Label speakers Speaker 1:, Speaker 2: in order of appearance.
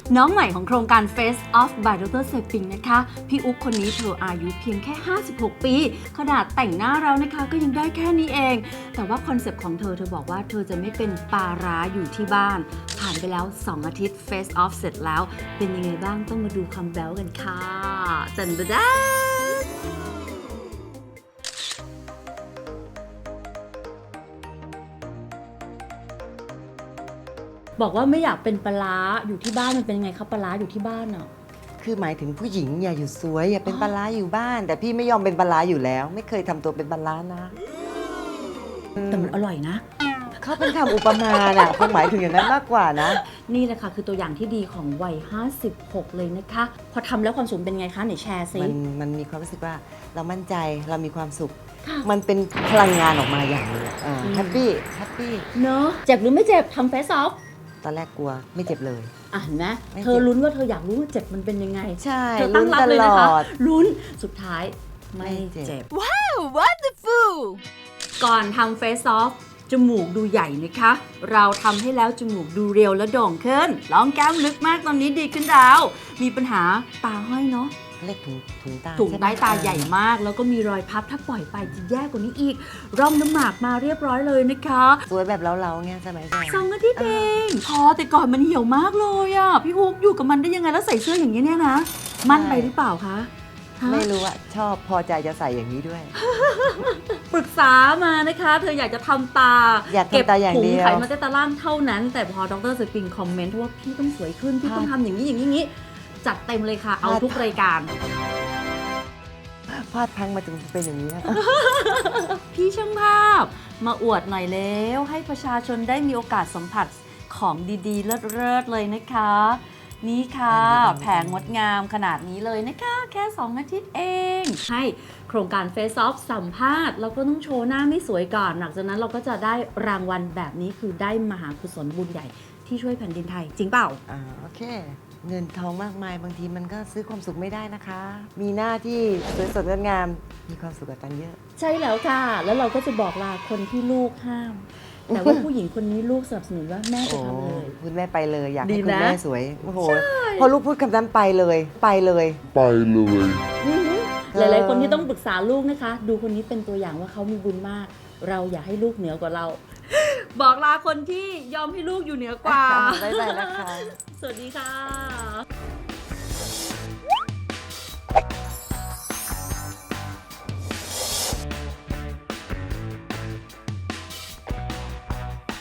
Speaker 1: น้องใหม่ของโครงการ Face Off by Dr. Seping นะคะ พี่อุ๊บคนนี้เธออายุเพียงแค่ 56 ปี ขนาดแต่งหน้าแล้วนะคะก็ยังได้แค่นี้เอง แต่ว่าคอนเซปต์ของเธอบอกว่าเธอจะไม่เป็นปลาร้าอยู่ที่บ้าน ผ่านไปแล้ว 2 อาทิตย์ Face Off เสร็จแล้ว เป็นยังไงบ้างต้องมาดูคำแบ๊วกันค่ะจันบดาบอกว่าไม่อยากเป็นปลาร้าอยู่ที่บ้านมันเป็นยังไงครับปลาร้าอยู่ที่บ้านอ่ะ
Speaker 2: คือหมายถึงผู้หญิงอย่าอยู่สวยอย่าเป็นปลาร้าอยู่บ้าน แต่พี่ไม่ยอมเป็นปลาร้าอยู่แล้ว ไม่เคยทำตัวเป็นปลาร้านะ
Speaker 1: แต่มันอร่อยนะ
Speaker 2: เขาเป็นคำอุปมาน่ะคงหมายถึงอย่างนั้นมากกว่านะ
Speaker 1: นี่แหละค่ะคือตัวอย่างที่ดีของวัย 56 เลยนะคะ พอทำแล้วความสุขเป็นไงคะไหนแชร์ซิ
Speaker 2: มันมีความรู้สึกว่าเรามั่นใจเรามีความสุข
Speaker 1: ค่ะ
Speaker 2: มันเป็นพลังงานออกมาอย่างหนึงแฮปปี้
Speaker 1: เนอะเจ็บหรือไม่เจ็บทำเฟซออฟ
Speaker 2: ตอนแรกกลัวไม่เจ็บเลย
Speaker 1: อ่ะเห็นไหม
Speaker 2: ไม่เจ็บ
Speaker 1: เธอลุ้นว่าเธออยากรู้ว่าเจ็บมันเป็นยังไง
Speaker 2: ใช่
Speaker 1: เธอตั้งรับ
Speaker 2: ลุ้นต
Speaker 1: เลย
Speaker 2: ล
Speaker 1: นะคะ
Speaker 2: อด
Speaker 1: ลุ้นสุดท้ายไม่
Speaker 2: ไม่เจ็
Speaker 1: เจ็บ
Speaker 2: บ
Speaker 1: ว้าว wonderful ก่อนทำเฟซออฟจมูกดูใหญ่นะคะ เราทำให้แล้วจมูกดูเรียวและโด่งขึ้นร้องแก้มลึกมากตอนนี้ดีขึ้นแล้ว มีปัญหาตาห้อยเนาะ
Speaker 2: เล็กถุงตา
Speaker 1: ถุง
Speaker 2: ช่ไหม
Speaker 1: ใต้ตาใหญ่มาก แล้วก็มีรอยพับถ้าปล่อยไปจะแย่กว่านี้อีก ร่องน้ำหมากมาเรียบร้อยเลยนะคะ
Speaker 2: สวยแบบเล้าๆเงี้ยสมัยก่อน
Speaker 1: 2 อาทิตย์เองพอแต่ก่อนมันเหี่ยวมากเลยอ่ะ พี่ฮุกอยู่กับมันได้ยังไงแล้วใส่เสื้ออย่างนี้เนี่ยนะ มั่นไปหรือเปล่าคะฮะ
Speaker 2: ไม่รู้อะชอบพอใจจะใส่อย่างนี้ด้วย
Speaker 1: ปรึกษามานะคะ เธออยากจะทำตา
Speaker 2: อยากทำตาอย่างเดียว
Speaker 1: ก็บถุงไขมันใต้ตาล่างเท่านั้น แต่พอดรสปริงคอมเมนต์ว่าพี่ต้องสวยขึ้น พี่ต้องทำอย่างนี้อย่างนี้จัดเต็มเลยค่ะ เอาทุกรายการ
Speaker 2: พลาดพลั้งมาจนเป็นอย่างนี้นะ
Speaker 1: พี่ช่างภาพมาอวดหน่อยแล้วให้ประชาชนได้มีโอกาสสัมผัสของดีๆ เลิศๆเลยนะคะ นี่ค่ะ แผงงดงามขนาดนี้เลยนะคะ แค่ 2 อาทิตย์เอง ให้โครงการ Face Off สัมภาษณ์เราก็ต้องโชว์หน้าไม่สวยก่อนหลังจากนั้นเราก็จะได้รางวัลแบบนี้คือได้มหากุศลบุญใหญ่ที่ช่วยแผ่นดินไทย จริงเปล่า
Speaker 2: โอเค เงินทองมากมายบางทีมันก็ซื้อความสุขไม่ได้นะคะ มีหน้าที่สวยสดงดงามมีความสุขกับตันเยอะ
Speaker 1: ใช่แล้วค่ะ แล้วเราก็จะบอกลาคนที่ลูกห้าม แต่ว่าผู้หญิงคนนี้ลูกสนับสนุนว่าแม่จะทำเลย
Speaker 2: คุณแม่ไปเลยอยาก
Speaker 1: ดี
Speaker 2: ให้คุณ
Speaker 1: นะ
Speaker 2: แม่สวยโอ้โหพอลูกพูดคำนั้นไปเลยไปเลย
Speaker 1: หลายๆคนที่ต้องปรึกษาลูกนะคะ ดูคนนี้เป็นตัวอย่างว่าเขามีบุญมาก เราอย่าให้ลูกเหนือกว่าเรา บอกลาคนที่ยอมให้ลูกอยู่เหนือกว่า
Speaker 2: บ๊ายบายนะคะ
Speaker 1: สวัสดีค่ะ